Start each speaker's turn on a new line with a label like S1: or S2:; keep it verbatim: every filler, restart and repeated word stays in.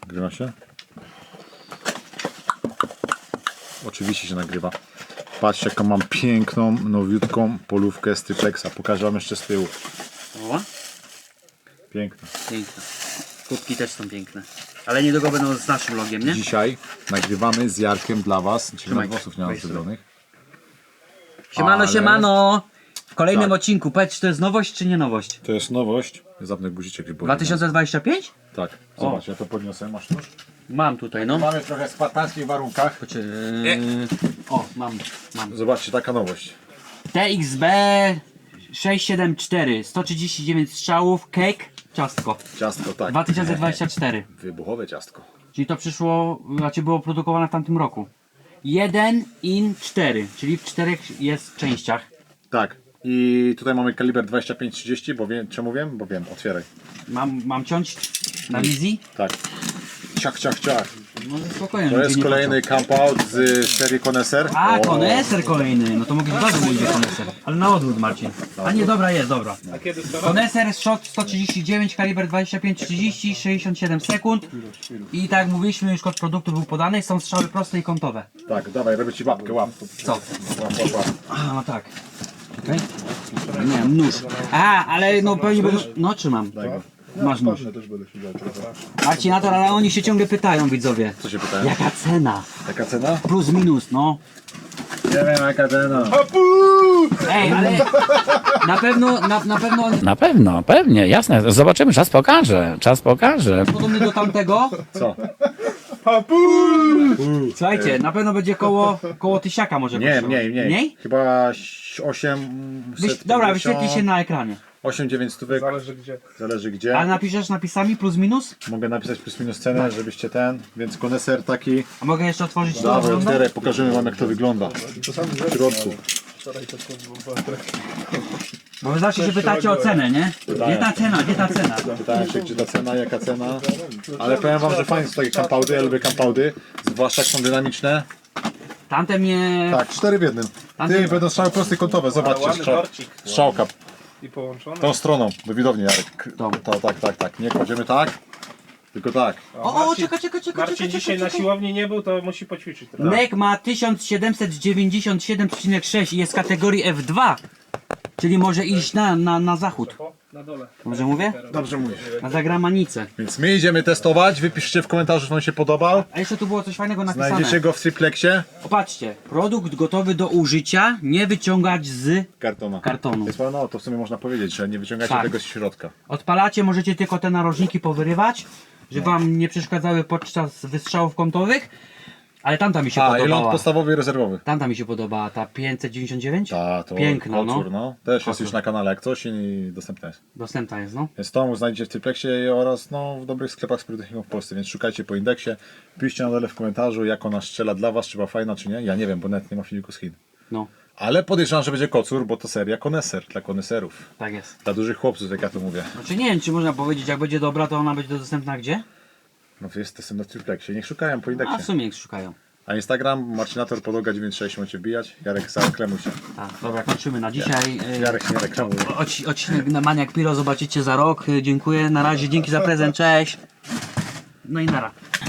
S1: Nagrywa się? Oczywiście się nagrywa. Patrzcie, jaką mam piękną, nowiutką polówkę z triplexa. Pokażę wam jeszcze z tyłu.
S2: O,
S1: Piękna.
S2: piękne. Kubki też są piękne. Ale niedługo będą z naszym logiem, nie?
S1: Dzisiaj nagrywamy z Jarkiem dla was. Dzisiaj
S2: Trzymaj.
S1: włosów nie mam
S2: Weź sobie.
S1: zrobionych.
S2: Siemano,
S1: Ale-
S2: siemano! W kolejnym
S1: Tak.
S2: odcinku. Powiedz, czy to jest nowość, czy nie nowość?
S1: To jest nowość. Zapnę guziczek.
S2: dwa tysiące dwudziesty piąty?
S1: Tak. Zobacz, ja to podniosę. Masz nóż?
S2: Mam tutaj, no.
S1: Mamy trochę w spartańskich warunkach.
S2: Czy... O, mam, mam.
S1: Zobaczcie, taka nowość.
S2: T X B sześć siedem cztery, sto trzydzieści dziewięć strzałów, cake, ciastko.
S1: Ciastko, tak.
S2: dwa tysiące dwudziesty czwarty.
S1: Wybuchowe ciastko.
S2: Czyli to przyszło, znaczy było produkowane w tamtym roku. jeden in cztery, czyli w czterech jest częściach.
S1: Tak. I tutaj mamy kaliber dwadzieścia pięć trzydzieści, bo wiem, czemu wiem? Bo wiem, otwieraj.
S2: Mam, mam ciąć na wizji?
S1: Tak. Ciach, ciach, ciach.
S2: No ze spokojem.
S1: To
S2: ludzie
S1: jest
S2: nie
S1: kolejny camp out z serii Connoisseur.
S2: patrzą. A,
S1: O,
S2: koneser kolejny, no to mogę bardzo mówić koneser. Ale na odwrót, Marcin. A nie, dobra jest, dobra. Koneser shot sto trzydzieści dziewięć, kaliber dwadzieścia pięć trzydzieści, sześćdziesiąt siedem sekund. I tak jak mówiliśmy, już kod produktu był podany, są strzały proste i kątowe.
S1: Tak, dawaj, robię ci łapkę, łap.
S2: Co?
S1: Łap, łap, łap.
S2: A, no tak. Okej. Nie, nóż. A, ale no pewnie będą... No, trzymam.
S1: Daj go.
S2: Masz nóż. Marcinator, ale oni się ciągle pytają, widzowie.
S1: Co się pytałem?
S2: Jaka cena?
S1: Jaka cena?
S2: Plus, minus, no.
S1: Nie wiem, jaka cena.
S2: Ej, ale na pewno, na, na pewno on jest
S3: Na pewno, pewnie, jasne. Zobaczymy, czas pokaże, czas pokaże.
S2: podobny do tamtego.
S1: Co?
S2: Słuchajcie, na pewno będzie koło, koło tysiaka może
S1: Nie,
S2: kosztował.
S1: mniej, mniej.
S2: Mniej?
S1: Chyba osiem.
S2: Wyś, dobra, wyświetli się na ekranie.
S1: osiem dziewięć stówek.
S4: Zależy gdzie.
S1: Zależy gdzie.
S2: A napiszesz napisami plus, minus?
S1: Mogę napisać plus minus cenę, żebyście ten. Więc koneser taki.
S2: A mogę jeszcze otworzyć to?
S1: Dawaj,
S2: wygląda?
S1: otwieraj, pokażemy wam jak to wygląda. W środku.
S2: Bo wy zawsze się pytacie o cenę, nie? Gdzie ta cena, gdzie ta cena?
S1: Pytałem się, gdzie ta cena, jaka cena. Ale powiem wam, że fajnie są takie campaudy, ja lubię campaudy. Zwłaszcza jak są dynamiczne.
S2: Tamte mnie...
S1: Tak, cztery w jednym. Ty, będą strzały proste i kątowe, zobaczcie.
S4: ładny
S1: Strzał,
S4: torcik.
S1: strzałka.
S4: I połączone.
S1: Tą stroną, do widowni, Jarek.
S2: Tą.
S1: To, tak, tak, tak. Nie kładziemy tak, tylko tak.
S2: O, o, czekaj, czekaj, czekaj,
S4: Marcin
S2: czekaj,
S4: dzisiaj na
S2: czekaj.
S4: siłowni nie był, to musi poćwiczyć trochę.
S2: Nek ma tysiąc siedemset dziewięćdziesiąt siedem przecinek sześć i jest kategorii F dwa. Czyli może iść na, na, na zachód.
S4: O, na dole.
S2: Dobrze mówię?
S1: Dobrze mówisz.
S2: Na zagramanicę.
S1: Więc my idziemy testować, wypiszcie w komentarzu, że wam się podobał.
S2: A jeszcze tu było coś fajnego napisane.
S1: Znajdziecie go w triplexie.
S2: Popatrzcie, produkt gotowy do użycia, nie wyciągać z
S1: Kartona.
S2: kartonu.
S1: Więc no, to w sumie można powiedzieć, że nie wyciągacie
S2: Tak.
S1: tego z środka.
S2: Odpalacie, możecie tylko te narożniki powyrywać, żeby wam nie przeszkadzały podczas wystrzałów kątowych. Ale tamta mi się
S1: A, i ląd
S2: podobała.
S1: podstawowy i rezerwowy.
S2: Tamta mi się podobała, ta pięćset dziewięćdziesiąt dziewięć?
S1: Ta, to
S2: Piękna, no.
S1: kocur, no. Też jest
S2: Kocur.
S1: już na kanale jak coś i dostępna jest.
S2: Dostępna jest, no.
S1: Więc tą znajdziecie w triplexie oraz no, w dobrych sklepach z pirotechniką w Polsce, więc szukajcie po indeksie. Piszcie na dole w komentarzu, jak ona strzela dla was, czy była fajna, czy nie. Ja nie wiem, bo nawet nie ma filmiku z Chin.
S2: No,
S1: Ale podejrzewam, że będzie kocur, bo to seria koneser dla koneserów.
S2: tak jest.
S1: Dla dużych chłopców, jak ja to mówię.
S2: Znaczy nie wiem, czy można powiedzieć, jak będzie dobra, to ona będzie dostępna gdzie?
S1: No to jest testem na triplexie, niech szukają po
S2: A
S1: indeksie.
S2: w sumie jak szukają.
S1: A Instagram, Marcinator, podłoga dziewięćdziesiąt sześć, możecie wbijać. Jarek, zareklamuj się.
S2: A, dobra, kończymy na dzisiaj. Y,
S1: Jarek się nie reklamuje.
S2: Odci- Odcinek na Maniak Piro zobaczycie za rok. Y, Dziękuję, na razie, dzięki za prezent, cześć. No i nara.